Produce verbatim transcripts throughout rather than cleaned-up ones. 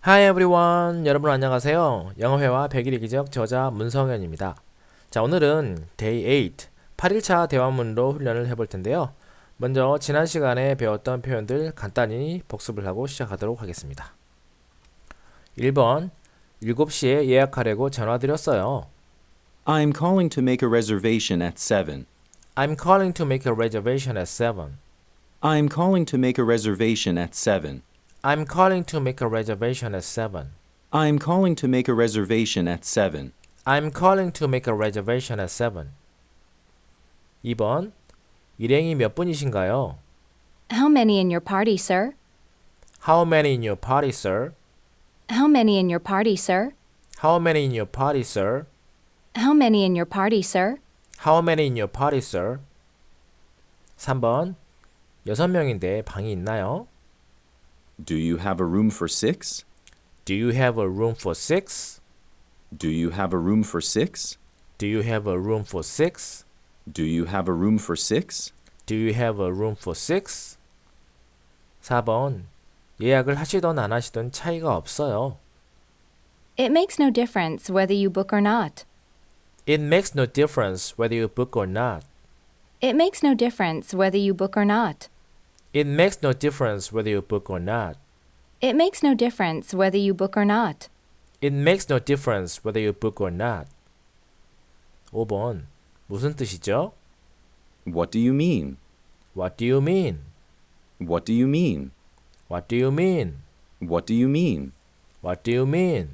Hi everyone. 여러분 안녕하세요. 영어회화 백일 기적 저자 문성현입니다. 자, 오늘은 Day eight, 팔 일차 대화문으로 훈련을 해볼 텐데요. 먼저 지난 시간에 배웠던 표현들 간단히 복습을 하고 시작하도록 하겠습니다. 일 번, 일곱 시에 예약하려고 전화드렸어요. I'm calling to make a reservation at seven. I'm calling to make a reservation at seven. I'm calling to make a reservation at seven. I'm calling to make a reservation at seven. I'm calling to make a reservation at seven. I'm calling to make a reservation at seven. 이 번, 일행이 몇 분이신가요? How many in your party, sir? How many in your party, sir? How many in your party, sir? How many in your party, sir? How many in your party, sir? How many in your party, sir? 삼 번, 여섯 명인데 방이 있나요? Do you have a room for six? Do you have a room for six? Do you have a room for six? Do you have a room for six? Do you have a room for six? Do you have a room for six? 사 번, 예약을 하시던 안 하시던 차이가 없어요. It makes no difference whether you book or not. It makes no difference whether you book or not. It makes no difference whether you book or not. It makes no difference whether you book or not. It makes no difference whether you book or not. It makes no difference whether you book or not. 오 번, 무슨 뜻이죠? What do you mean? What do you mean? What do you mean? What do you mean? What do you mean? What do you mean?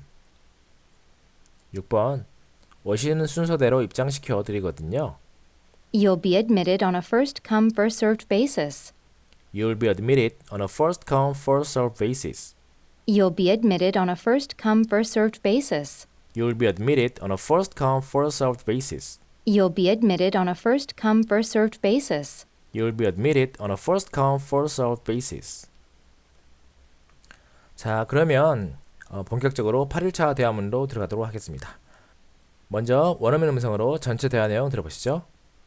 육 번, 오시는 순서대로 입장시켜 드리거든요. You'll be admitted on a first come, first served basis. You'll be admitted on a first come, first served basis. You'll be admitted on a first come, first served basis. You'll be admitted on a first come, first served basis. You'll be admitted on a first come, first served basis. You'll be admitted on a first come, first served basis. 자, 그러면 어, 본격적으로 팔 일차 대화문으로 들어가도록 하겠습니다. 먼저 원어민 음성으로 전체 대화 내용 들어보시죠.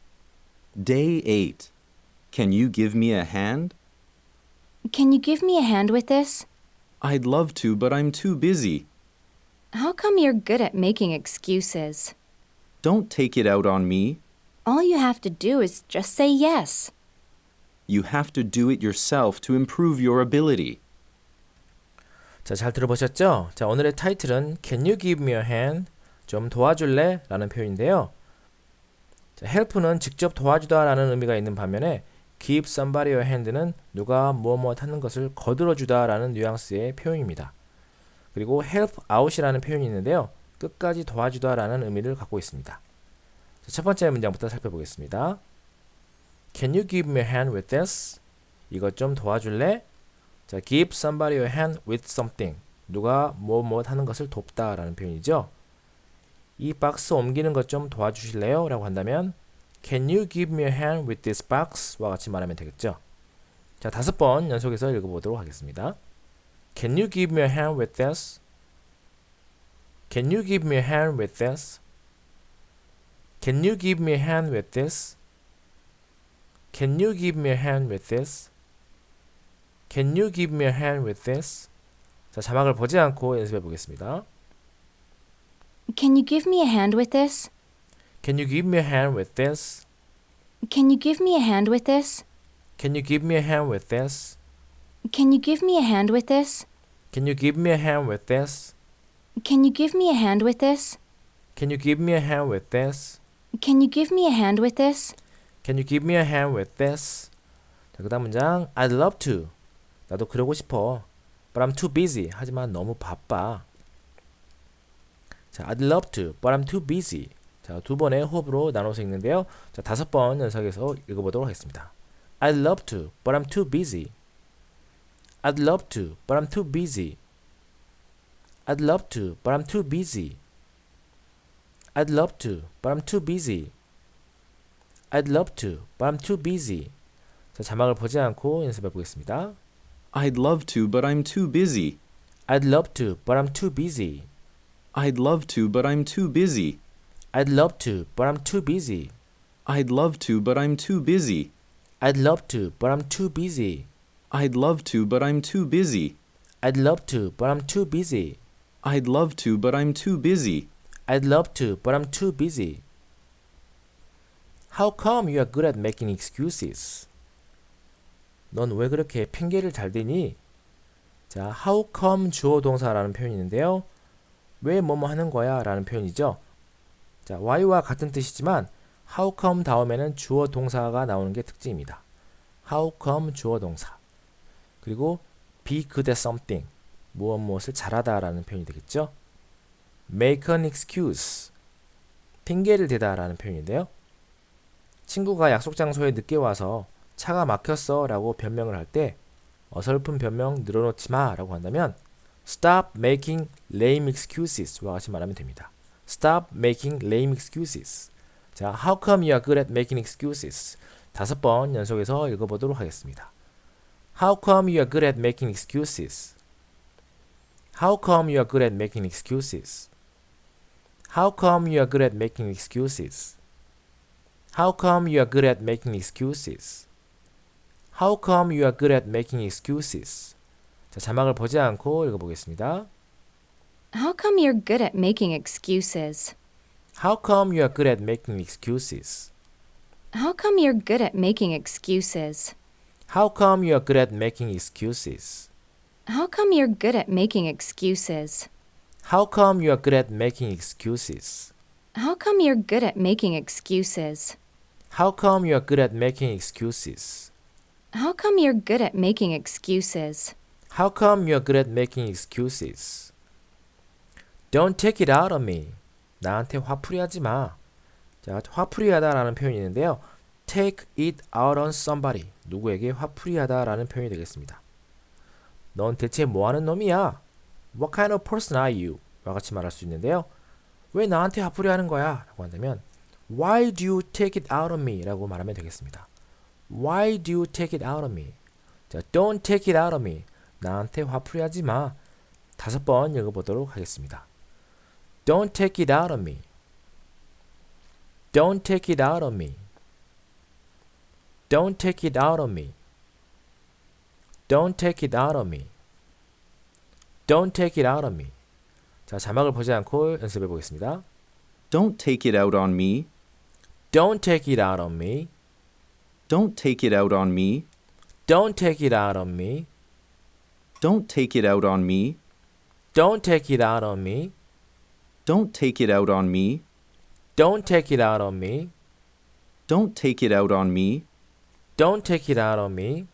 Day eight. Can you give me a hand? Can you give me a hand with this? I'd love to, but I'm too busy. How come you're good at making excuses? Don't take it out on me. All you have to do is just say yes. You have to do it yourself to improve your ability. 자, 잘 들어보셨죠? 자, 오늘의 타이틀은 Can you give me a hand? 좀 도와줄래? 라는 표현인데요. 자, help는 직접 도와주다 라는 의미가 있는 반면에 give somebody a hand는 누가 무엇 무엇 하는 것을 거들어주다 라는 뉘앙스의 표현입니다. 그리고 help out이라는 표현이 있는데요. 끝까지 도와주다 라는 의미를 갖고 있습니다. 자, 첫 번째 문장부터 살펴보겠습니다. Can you give me a hand with this? 이것 좀 도와줄래? 자, give somebody a hand with something. 누가 무엇 무엇 하는 것을 돕다 라는 표현이죠. 이 박스 옮기는 것 좀 도와주실래요? 라고 한다면 Can you give me a hand with this box? 와 같이 말하면 되겠죠. 자, 다섯 번 연속해서 읽어보도록 하겠습니다. Can you give me a hand with this? Can you give me a hand with this? Can you give me a hand with this? Can you give me a hand with this? Can you give me a hand with this? 자, 자막을 보지 않고 연습해 보겠습니다. Can you give me a hand with this? Can you give me a hand with this? Can you give me a hand with this? Can you give me a hand with this? Can you give me a hand with this? Can you give me a hand with this? Can you give me a hand with this? Can you give me a hand with this? Can you give me a hand with this? Can you give me a hand with this? 자, 그다음 문장 I'd love to. 나도 그러고 싶어. But I'm too busy. 하지만 너무 바빠. 자, I'd love to, but I'm too busy. 자, 두 번의 호흡으로 나눠서 읽는데요. 자, 다섯 번 연속해서 읽어보도록 하겠습니다. I'd love to, but I'm too busy. I'd love to, but I'm too busy. I'd love to, but I'm too busy. I'd love to, but I'm too busy. I'd love to, but I'm too busy. 자, 자막을 보지 않고 연습해 보겠습니다. I'd love to, but I'm too busy. I'd love to, but I'm too busy. I'd love to, but I'm too busy. I'd love to, but I'm too busy. I'd love to, but I'm too busy. I'd love to, but I'm too busy. I'd love to, but I'm too busy. I'd love to, but I'm too busy. I'd love to, but I'm too busy. I'd love to, but I'm too busy. How come you are good at making excuses? 넌 왜 그렇게 핑계를 잘 대니? 자, how come 주어 동사라는 표현이 있는데요. 왜 뭐뭐 하는 거야? 라는 표현이죠. 자, why와 같은 뜻이지만 how come 다음에는 주어 동사가 나오는 게 특징입니다. how come 주어 동사. 그리고 be good at something. 무엇 무엇을 잘하다 라는 표현이 되겠죠. make an excuse. 핑계를 대다 라는 표현인데요. 친구가 약속 장소에 늦게 와서 차가 막혔어 라고 변명을 할 때 어설픈 변명 늘어놓지 마 라고 한다면 Stop making lame excuses와 같이 말하면 됩니다. Stop making lame excuses. 자, How come you are good at making excuses? 다섯 번 연속해서 읽어보도록 하겠습니다. How come you are good at making excuses? How come you are good at making excuses? How come you are good at making excuses? How come you are good at making excuses? How come you are good at making excuses? 자, 자막을 보지 않고 읽어보겠습니다. How come you're good at making excuses? How come you are good at making excuses? How come you're good at making excuses? How come you are good at making excuses? How come you're good at making excuses? How come you are good at making excuses? How come you're good at making excuses? How come you are good at making excuses? How come you're good at making excuses? How come you are good at making excuses? Don't take it out on me. 나한테 화풀이 하지 마. 자, 화풀이 하다라는 표현이 있는데요. Take it out on somebody. 누구에게 화풀이 하다라는 표현이 되겠습니다. 넌 대체 뭐 하는 놈이야? What kind of person are you? 와 같이 말할 수 있는데요. 왜 나한테 화풀이 하는 거야? 라고 한다면 Why do you take it out on me? 라고 말하면 되겠습니다. Why do you take it out on me? 자, don't take it out on me. 나한테 화풀이 하지 마. 다섯 번 읽어보도록 하겠습니다. Don't take it out on me. Don't take it out on me. Don't take it out on me. Don't take it out on me. Don't take it out on me. 자, 자막을 보지 않고 연습해 보겠습니다. Don't take it out on me. Don't take it out on me. Don't take it out on me. Don't take it out on me. Don't take it out on me. Don't take it out on me. Don't take it out on me. Don't take it out on me. Don't take it out on me. Don't take it out on me.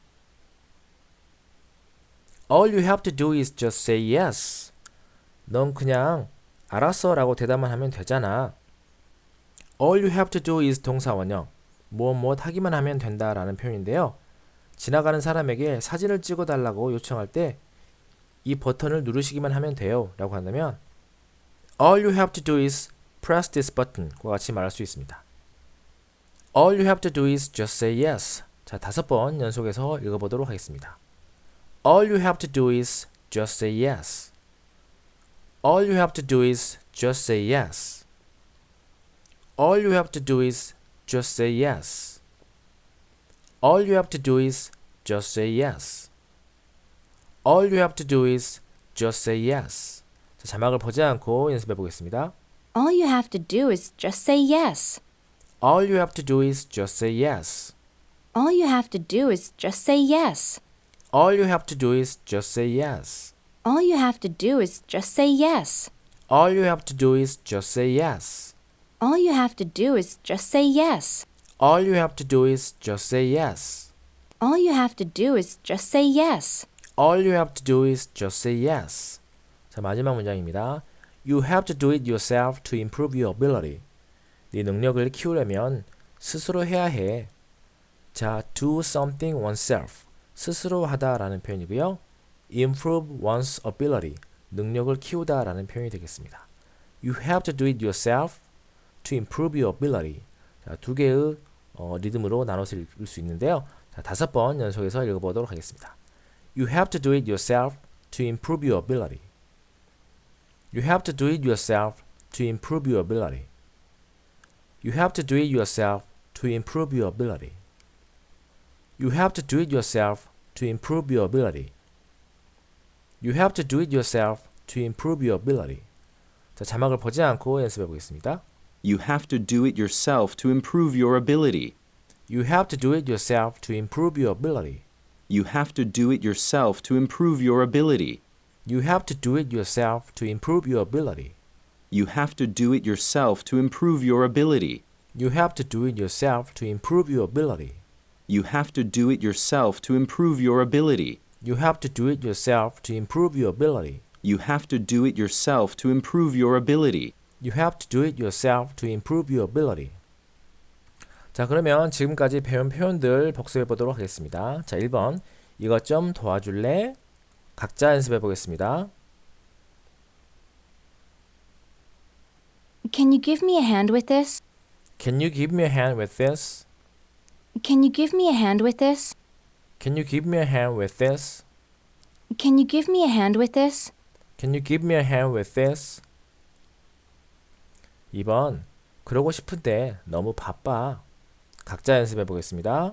All you have to do is just say yes. 넌 그냥 알았어 라고 대답만 하면 되잖아. All you have to do is 동사 원형. 무엇 무엇 하기만 하면 된다 라는 표현인데요. 지나가는 사람에게 사진을 찍어 달라고 요청할 때 이 버튼을 누르시기만 하면 돼요 라고 한다면 All you have to do is press this button 과 같이 말할 수 있습니다. All you have to do is just say yes. 자, 다섯 번 연속해서 읽어보도록 하겠습니다. All you have to do is just say yes. All you have to do is just say yes. All you have to do is just say yes. All you have to do is just say yes. All you have to do is just say yes. 자, 자막을 보지 않고 연습해 보겠습니다. All you have to do is just say yes. All you have to do is just say yes. All you have to do is just say yes. All you have to do is just say yes. All you have to do is just say yes. All you have to do is just say yes. All you have to do is just say yes. All you have to do is just say yes. All you have to do is just say yes. All you have to do is just say yes. 자, 마지막 문장입니다. You have to do it yourself to improve your ability. 네 능력을 키우려면 스스로 해야 해. 자, do something oneself. 스스로 하다라는 표현이고요. improve one's ability. 능력을 키우다라는 표현이 되겠습니다. You have to do it yourself to improve your ability. 자, 두 개의 어, 리듬으로 나눠서 읽을 수 있는데요. 자, 다섯 번 연속해서 읽어보도록 하겠습니다. You have to do it yourself to improve your ability. You have to do it yourself to improve your ability. You have to do it yourself to improve your ability. You have to do it yourself to improve your ability. You have to do it yourself to improve your ability. 자, 자막을 보지 않고 연습해 보겠습니다. You have to do it yourself to improve your ability. You have to do it yourself to improve your ability. You have to do it yourself to improve your ability. You have to do it yourself to improve your ability. You have to do it yourself to improve your ability. You have to do it yourself to improve your ability. You have to do it yourself to improve your ability. You have to do it yourself to improve your ability. You have to do it yourself to improve your ability. You have to do it yourself to improve your ability. 자, 그러면 지금까지 배운 표현들 복습해 보도록 하겠습니다. 자, 일 번. 이것 좀 도와줄래? 각자 연습해 보겠습니다. Can you give me a hand with this? Can you give me a hand with this? Can you give me a hand with this? Can you give me a hand with this? Can you give me a hand with this? Can you give me a hand with this? 이 번. 그러고 싶은데 너무 바빠. 각자 연습해 보겠습니다.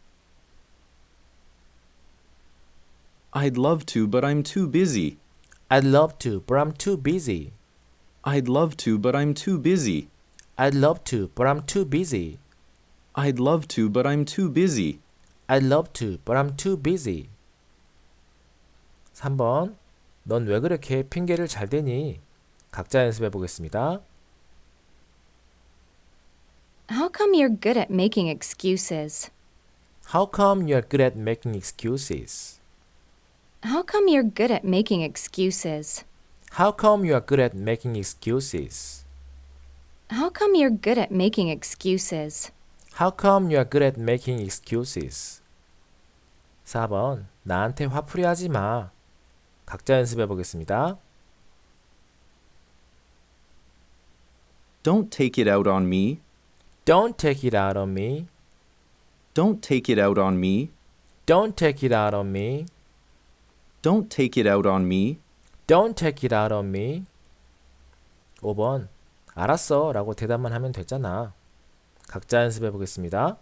I'd love to, but I'm too busy. I'd love to, but I'm too busy. I'd love to, but I'm too busy. I'd love to, but I'm too busy. I'd love to, but I'm too busy. I'd love to, but I'm too busy. 삼 번. 넌 왜 그렇게 핑계를 잘 대니? 각자 연습해 보겠습니다. How come you're good at making excuses? How come you're good at making excuses? How come you're good at making excuses? How come you are good at making excuses? How come you're good at making excuses? How come you are good at making excuses? 사 번. 나한테 화풀이 하지 마. 각자 연습해 보겠습니다. Don't take it out on me. Don't take it out on me. Don't take it out on me. Don't take it out on me. Don't take it out on me. Don't take it out on me. 오 번. 알았어 라고 대답만 하면 됐잖아. 각자 연습해 보겠습니다.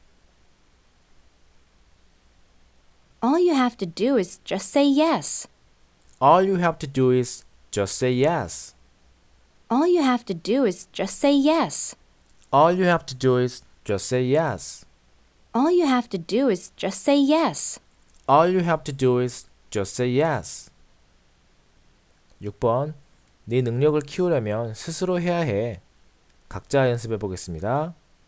All you have to do is just say yes. All you have to do is just say yes. All you have to do is just say yes. All you have to do is just say yes. All you have to do is just say yes. All you have to do is just say yes. 육 번. 네 능력을 키우려면 스스로 해야 해. 각자 연습해 보겠습니다.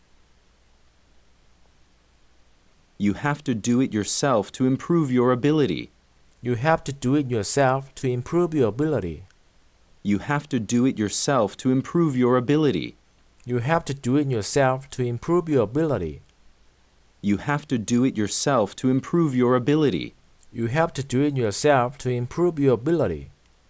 You have to do it yourself to improve your ability. You have to do it yourself to improve your ability. You have to do it yourself to improve your ability. You have to do it yourself to improve your ability. You have to do it yourself to improve your ability. You have to do it yourself to improve your ability.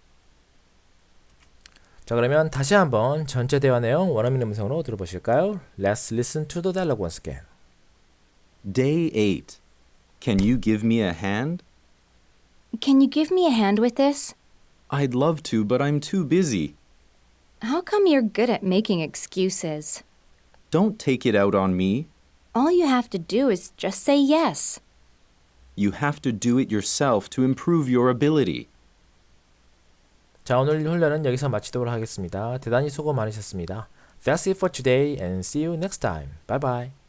자, 그러면 다시 한번 전체 대화 내용 원어민 음성으로 들어보실까요? Let's listen to the dialogue once again. Day eight. Can you give me a hand? Can you give me a hand with this? I'd love to, but I'm too busy. How come you're good at making excuses? Don't take it out on me. All you have to do is just say yes. You have to do it yourself to improve your ability. 자, 오늘 훈련은 여기서 마치도록 하겠습니다. 대단히 수고 많으셨습니다. That's it for today and see you next time. Bye bye.